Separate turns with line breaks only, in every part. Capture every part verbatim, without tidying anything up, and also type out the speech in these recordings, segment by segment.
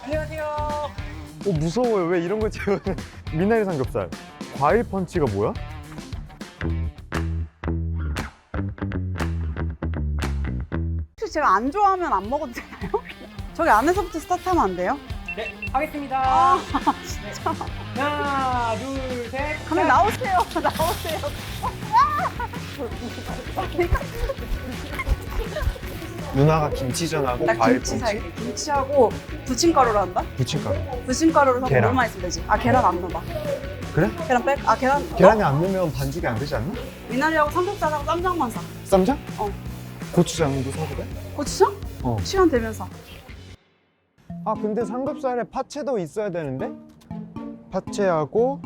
안녕하세요.
어 무서워요. 왜 이런 걸 재우는? 미나리 삼겹살. 과일 펀치가 뭐야?
혹시 제가 안 좋아하면 안 먹어도 되나요? 저기 안에서부터 스타트하면 안 돼요?
네, 하겠습니다.
아 진짜.
하나, 둘, 셋.
그러면 나오세요. 나오세요.
누나가 김치전하고
나
과일
김치
펀치.
살게. 김치하고 부침가루로 한다?
부침가루.
부침가루로 하고
계란.
물만 있으면 되지. 아 계란 안 넣어봐.
그래?
계란 뺄? 아 계란.
계란이
어?
안 넣으면 반죽이 안 되지 않나?
미나리하고 삼겹살하고 쌈장만 사.
쌈장?
어.
고추장도 사도 돼?
고추장?
어.
시간 되면 사.
아 근데 삼겹살에 파채도 있어야 되는데? 파채하고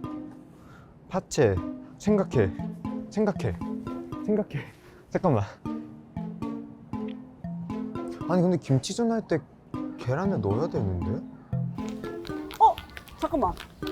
파채 생각해 생각해 생각해 잠깐만. 아니 근데 김치전 할 때 계란을 넣어야 되는데?
어 잠깐만.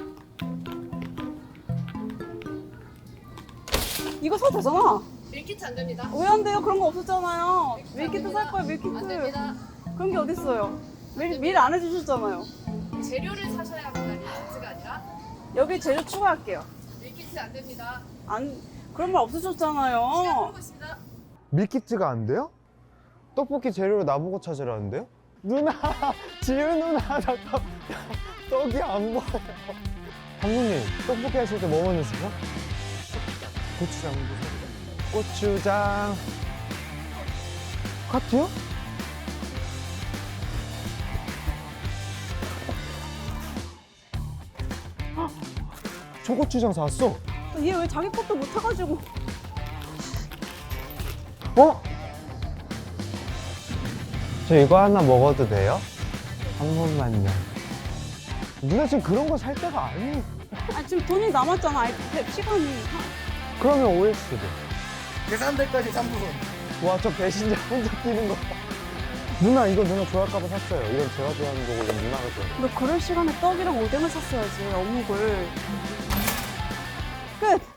이거 사도 되잖아.
밀키트 안 됩니다.
왜 안 돼요? 그런 거 없었잖아요.
밀키트 안
밀키트
됩니다.
살 거예요. 밀키트.
안 됩니다.
그런 게 어딨어요. 미리, 미리 안 해주셨잖아요.
재료를 사셔야 합니다. 밀키트가 아니라.
여기 재료 추가할게요.
밀키트 안 됩니다.
안 그런 말
시간
없으셨잖아요.
끌고 있습니다.
밀키트가 안 돼요? 떡볶이 재료를 나보고 찾으라는데요? 누나! 지윤 누나! 나 떡, 떡이 안 보여요. 감독님, 떡볶이 하실 때 뭐 먼저 쓰세요? 고추장도 사요. 고추장. 카트요? 헉! 초고추장 사왔어?
얘 왜 자기 것도 못 해가지고.
어? 저 이거 하나 먹어도 돼요? 한 번만요. 누나 지금 그런 거 살 때가 아니.
아 지금 돈이 남았잖아. 아이, 시간이.
그러면 오에스도.
계산대까지 삼 분.
와, 저 배신자 혼자 뛰는 거. 봐. 누나 이거 누나 좋아할까봐 샀어요. 이건 제가 좋아하는 거고 이건 누나가 좋아하는
너 그럴 시간에 떡이랑 오뎅을 샀어야지. 어묵을. 끝.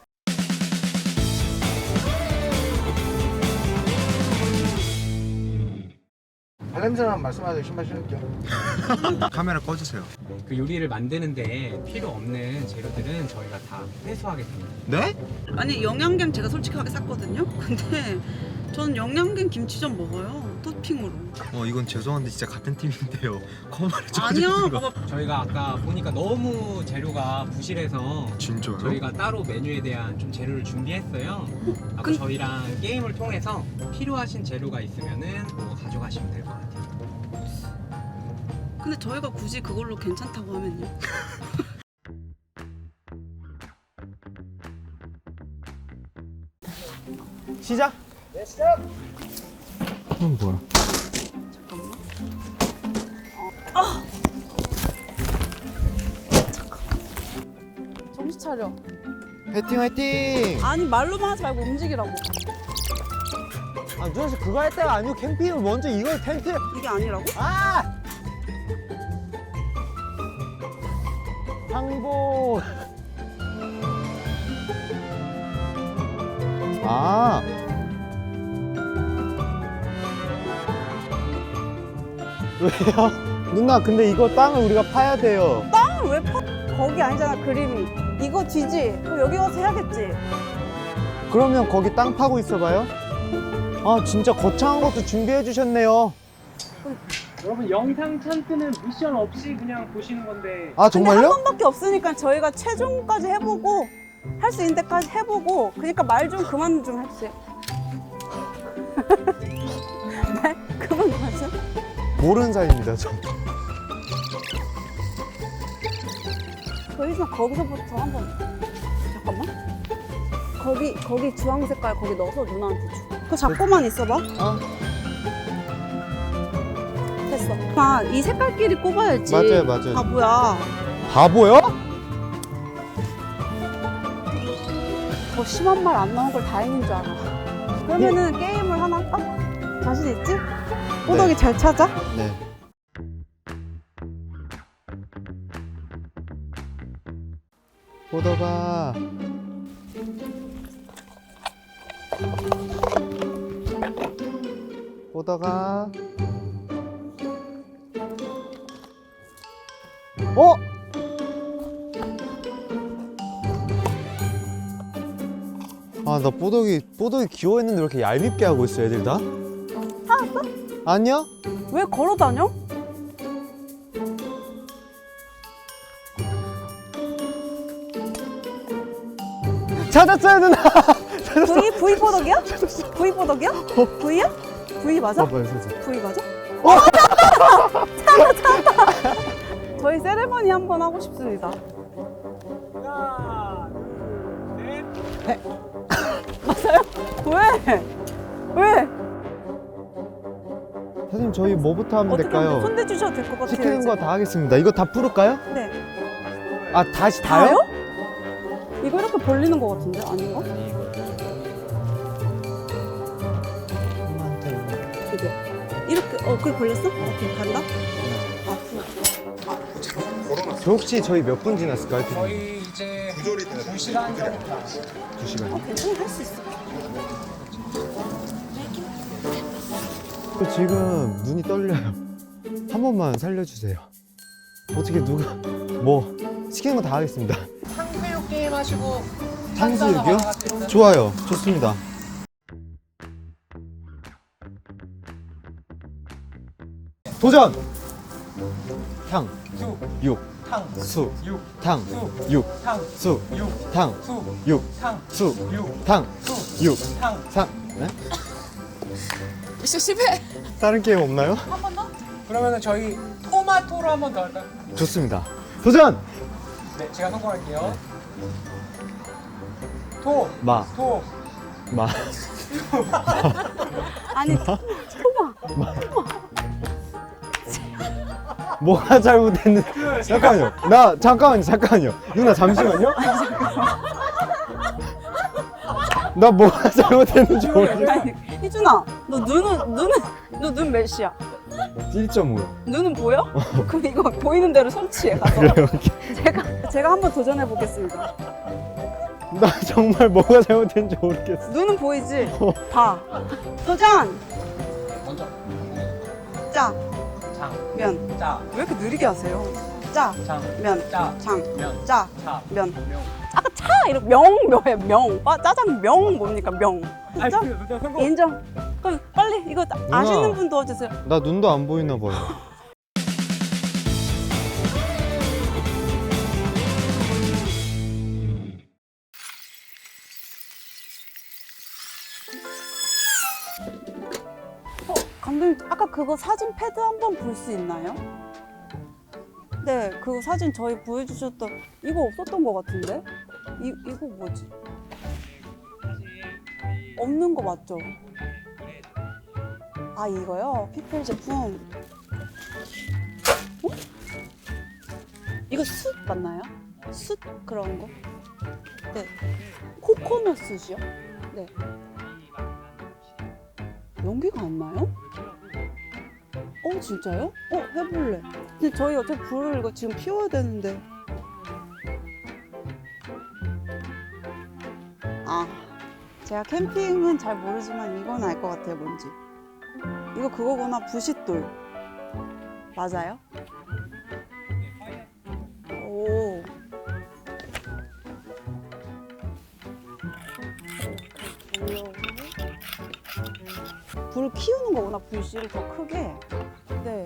발냄새만 말씀하세요. 신발 신을게요.
카메라 꺼주세요.
그 요리를 만드는데 필요 없는 재료들은 저희가 다 회수하겠습니다.
네?
아니 영양갱 제가 솔직하게 샀거든요. 근데 저는 영양갱 김치전 먹어요. 토핑으로.
어 이건 죄송한데 진짜 같은 팀인데요. 거만을
아니야. 봐봐.
저희가 아까 보니까 너무 재료가 부실해서
진짜요?
저희가 따로 메뉴에 대한 좀 재료를 준비했어요. 아까
근-
저희랑 게임을 통해서 필요하신 재료가 있으면은 뭐 가져가시면 될 것 같아요.
근데 저희가 굳이 그걸로 괜찮다고 하면요.
시작!
네, 시작.
이건 뭐야?
잠깐만. 어. 아! 잠깐. 정신 차려.
화이팅 화이팅!
아니 말로만 하지 말고 움직이라고.
아 누나 씨 그거 할 때가 아니고 캠핑을 먼저 이걸 텐트.
이게 아니라고?
아! 항복. 아. 왜요? 누나 근데 이거 땅을 우리가 파야 돼요.
땅을 왜 파? 거기 아니잖아 그림이. 이거 뒤지. 그럼 여기 가서 해야겠지.
그러면 거기 땅 파고 있어봐요. 아 진짜 거창한 것도 준비해 주셨네요.
여러분 영상 찬스는 미션 없이 그냥 보시는 건데.
아
근데 한
정말요?
번밖에 없으니까 저희가 최종까지 해보고 할 수 있는 데까지 해보고 그러니까 말 좀 그만 좀 해주세요. 말 그만 좀 하세요.
모르는 사이입니다 저.
저희는 거기서부터 한번 잠깐만. 거기 거기 주황 색깔 거기 넣어서 누나한테 줘. 그거 잡고만 있어봐.
어?
됐어. 아, 이 색깔끼리 꼽아야지.
맞아요, 맞아요.
아 뭐야?
바보요?
더 심한 말 안 나온 걸 다행인 줄 알아. 그러면은 게임을 하나 할까? 자신 있지? 호덕이 잘 찾아?
네. 호덕아. 호덕아. 어? 아, 나 뽀독이, 뽀독이 귀여워했는데 왜 이렇게 얄밉게 하고 있어, 애들 다?
찾았어?
아니야?
왜 걸어 다녀?
찾았어요, 누나!
V V 보덕이야? V 보덕이야? V야? V 맞아?
봐봐요, 사진.
V 맞아? 어, 찾았다! 찾았다! 찾았다! 저희 세레머니 한번 하고 싶습니다.
하나, 둘, 셋.
맞아요? 왜? 왜?
사장님, 저희 뭐부터 하면
어떻게
될까요?
손대 주셔도 될 것 같아요.
시키는
이제.
거 다 하겠습니다. 이거 다 풀을까요?
네.
아, 다시 다요?
다요? 이거 이렇게 벌리는 것 같은데 아닌가? 이게 이렇게 어 그래 벌렸어? 오케이 간다. 앞으로.
저 혹시 저희 몇 분 지났을까요?
저희 이제 두 시간 정도.
두 시간.
어 괜찮아 할 수 있어.
지금 눈이 떨려요. 한 번만 살려주세요. 어떻게 누가 뭐 시키는 거 다 하겠습니다.
탕수육 게임 하시고
탕수육이요? 좋아요. 좋습니다. 도전! 탕,
수,
육,
탕,
수,
육,
탕,
수,
육,
탕,
수,
육,
탕,
수,
육,
탕,
수,
육,
탕,
수,
육,
탕.
상. 네?
미션 실패.
다른 게임 없나요?
한 번 더?
그러면은 저희 토마토로 한 번 더 할까요?
좋습니다. 도전!
네, 제가 성공할게요. 토,
마,
토,
마.
아니 토마.
뭐가 잘못됐는데? 잠깐만요. 나 잠깐만요. 잠깐만요. 누나 잠시만요. 나 뭐가 잘못됐는지 모르겠어.
아니 희준아 너 눈은 눈은 너 눈 몇이야?
일 점 오요.
눈은 보여? 그럼 이거 보이는 대로 손치해 가서.
그래요.
제가 제가 한번 도전해 보겠습니다.
나 정말 뭐가 잘못됐는지 모르겠어.
눈은 보이지? 봐. 도전.
먼저
짜,
장,
면.
짜,
왜 이렇게 느리게 하세요? 짜,
장,
면,
짜,
장,
면,
짜,
차,
면.
명.
아까 차 이렇게 명 뭐야 명. 빠 짜장 명 뭡니까 명.
아니,
진짜?
그, 그, 성공.
인정. 그럼 빨리 이거 아시는 분 도와주세요.
나 눈도 안 보이나 봐요.
어, 감독님 아까 그거 사진 패드 한번 볼 수 있나요? 네, 그 사진 저희 보여주셨던 이거 없었던 것 같은데? 이 이거 뭐지? 없는 거 맞죠? 아 이거요? 피플 제품. 어? 이거 숯 맞나요? 숯 그런 거? 네. 코코넛 숯이요? 네. 연기가 안 나요? 어 진짜요? 어 해볼래. 근데 저희 어차피 불을 이거 지금 피워야 되는데. 아 제가 캠핑은 잘 모르지만 이건 알 것 같아요 뭔지. 이거 그거구나 부싯돌. 맞아요? 오. 불을 키우는 거구나 불씨를 더 크게. 네.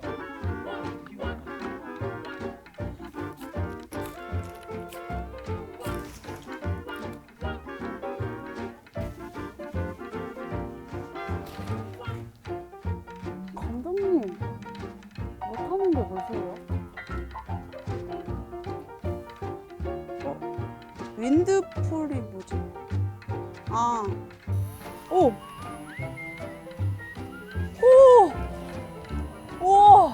감독님 못하는 게 뭐세요? 어? 윈드풀이 뭐지? 아, 오, 오, 오,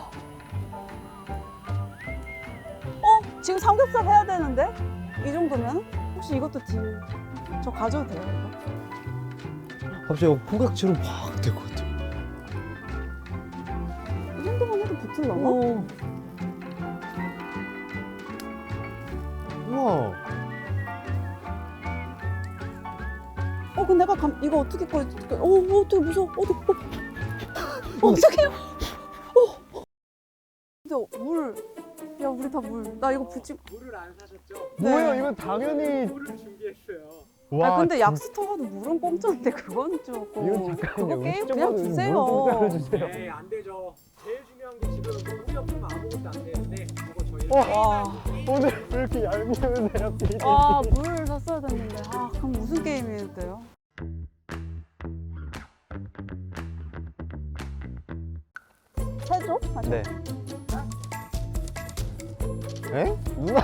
어? 지금 삼겹살 해야 되는데? 이 정도면? 혹시 이것도 딜, 저 가져도 돼요? 이거?
갑자기 포각처럼 확 될 것 같아.
이 정도만 해도 붙을라나?
오. 우와.
어, 근데 내가 감, 이거 어떻게 꺼? 어떻게? 어, 어, 어떻게 무서워? 어떻게? 어, 어, 어떡해요? 어. 근데 물 물. 야, 우리 다 물. 나 이거 붙이.
물을 안 사셨죠?
뭐예요?
네.
이건 당연히.
물을 준비했어요.
와,
아, 근데
진-
약수터 가도 물은 공짜인데 그건 조금.
이건 잠깐만요.
그거 게임
음식점
그냥
가서
주세요.
물 공짜로 주세요.
네, 안 되죠. 제일 중요한 게 지금 물이 없으면 아무것도 안 되는데 그거 저희
와.
오늘 왜 이렇게 얄미우네요, 피디님.
아, 물을 샀어야 됐는데. 아, 그럼 무슨 게임이었대요? 세조? 아니,
네. 에? 누나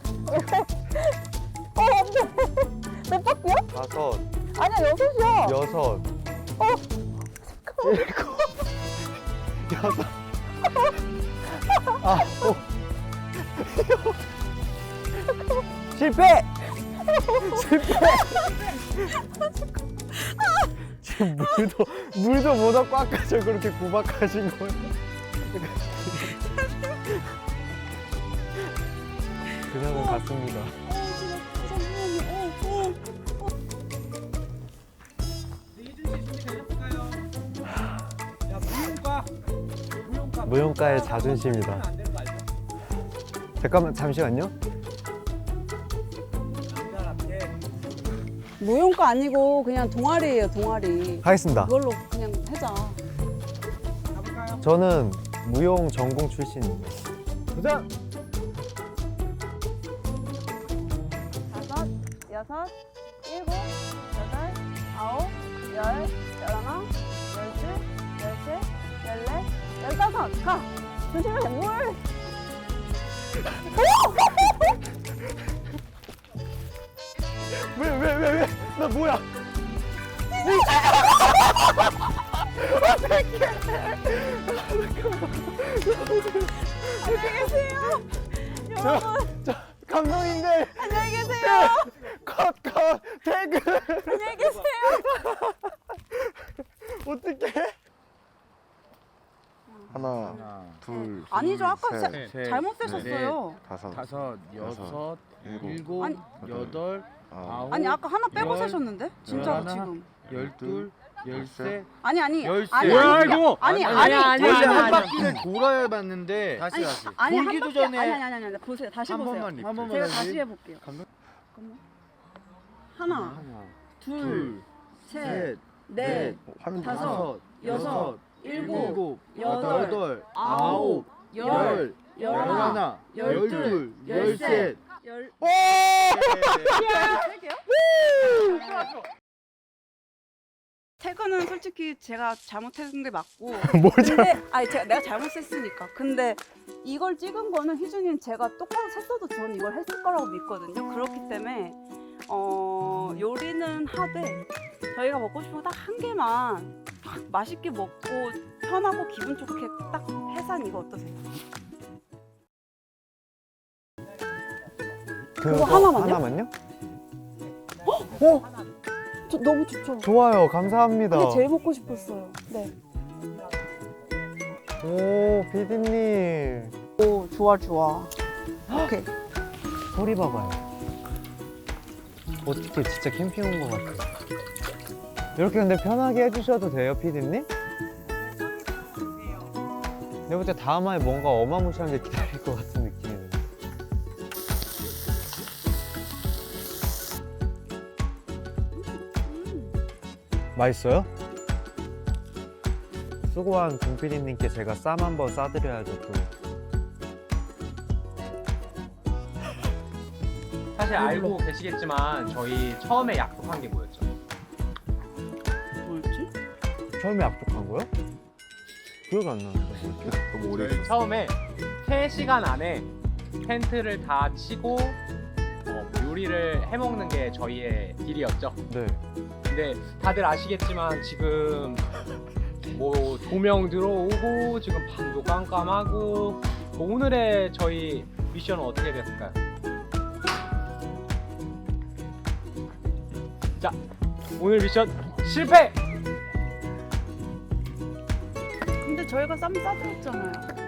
어, 안 돼. 몇 바퀴야?
다섯,
아니야, 여섯이야.
여섯,
어,
일곱, 여섯, 아홉, 실패! 실패! 지금 물도 물도 못 얻고 아까 저 그렇게 구박하신 거예요? 그냥은 갔습니다.
어, 지금 잠시만요. 어, 어.
이준 씨 준비되셨을까요? 야, 무용과 무용과
무용가의 자존심이다.
안 되는 거 알죠?
잠깐만 잠시만요.
남자답게
무용과 아니고 그냥 동아리예요, 동아리.
하겠습니다.
그걸로 그냥 하자.
가볼까요?
저는 무용 전공 출신입니다. 도전!
다섯, 여섯, 일곱, 여덟, 아홉, 열, 열하나, 열둘, 열셋, 열넷, 열다섯. 가! 조심해, 물!
왜 왜 왜 왜? 나 뭐야?
안녕히 계세요. 여러분,
저 감독님들
안녕히 계세요.
컷 컷 태그
안녕히 계세요.
어떡해?
하나, 둘,
아니죠, 아까
셋,
세-
셋,
잘못
넷,
세셨어요.
다섯,
다섯, 여섯,
일곱,
일곱,
아니.
여덟,
아홉,
아홉,
아니, 아까 하나 빼고
열,
세셨는데? 진짜로
열하나,
지금.
열둘, 열셋.
아니, 아니.
열세.
아니,
뭐야,
아니,
이거?
아니,
아니,
아니,
아니,
원래
아니,
한
아니,
바퀴를 돌아야 봤는데
아니,
다시 다시.
아니, 한
돌기도
바퀴-
전에
아니, 아니, 아니, 아니, 보세요. 다시
한
보세요.
번만 리플. 한 번만
제가
다시.
다시 해볼게요.
감독-
잠깐만. 하나,
하나,
둘,
둘,
셋,
셋,
넷,
넷,
화면
다섯,
다섯,
여섯, 일곱,
일곱,
여덟,
여덟,
아홉,
아홉,
열,
열,
열하나,
열하나,
열둘,
열둘,
열셋,
열셋.
열.
오!
세 개요? 태그는 솔직히 제가 잘못한 게 맞고.
뭘
근데 아니 제가 내가 잘못했으니까. 근데 이걸 찍은 거는 희준이는 제가 똑바로 셌어도 저는 이걸 했을 거라고 믿거든요. 그렇기 때문에 어 요리는 하되 저희가 먹고 싶은 거 딱 한 개만 딱 맛있게 먹고 편하고 기분 좋게 딱 해산 이거 어떠세요? 그거 하나만요?
하나만요?
어? 저 너무 좋죠.
좋아요. 감사합니다.
그게 제일 먹고 싶었어요. 네.
오, 피디님.
오 좋아 좋아. 오케이.
소리 봐봐요. 어떻게 진짜 캠핑 온 것 같아. 이렇게 근데 편하게 해주셔도 돼요, 피디님? 내가 볼 때 다음 화에 뭔가 어마무시한 게 기다릴 것 같은 느낌이 드네. 맛있어요? 수고한 공 피디님께 제가 쌈 한번 싸드려야죠, 또.
사실 알고 계시겠지만 저희 처음에 약속한 게 뭐였죠?
뭐였지?
처음에 약속한 거요? 기억이 안 나는데 뭐였지?
너무 오래
저희 처음에 세 시간 안에 텐트를 다 치고 어, 요리를 해먹는 게 저희의 딜이었죠.
네.
근데 다들 아시겠지만 지금 뭐 조명 들어오고 지금 밤도 깜깜하고 뭐 오늘의 저희 미션은 어떻게 됐을까요? 자, 오늘 미션 실패!
근데 저희가 쌈 싸드렸잖아요.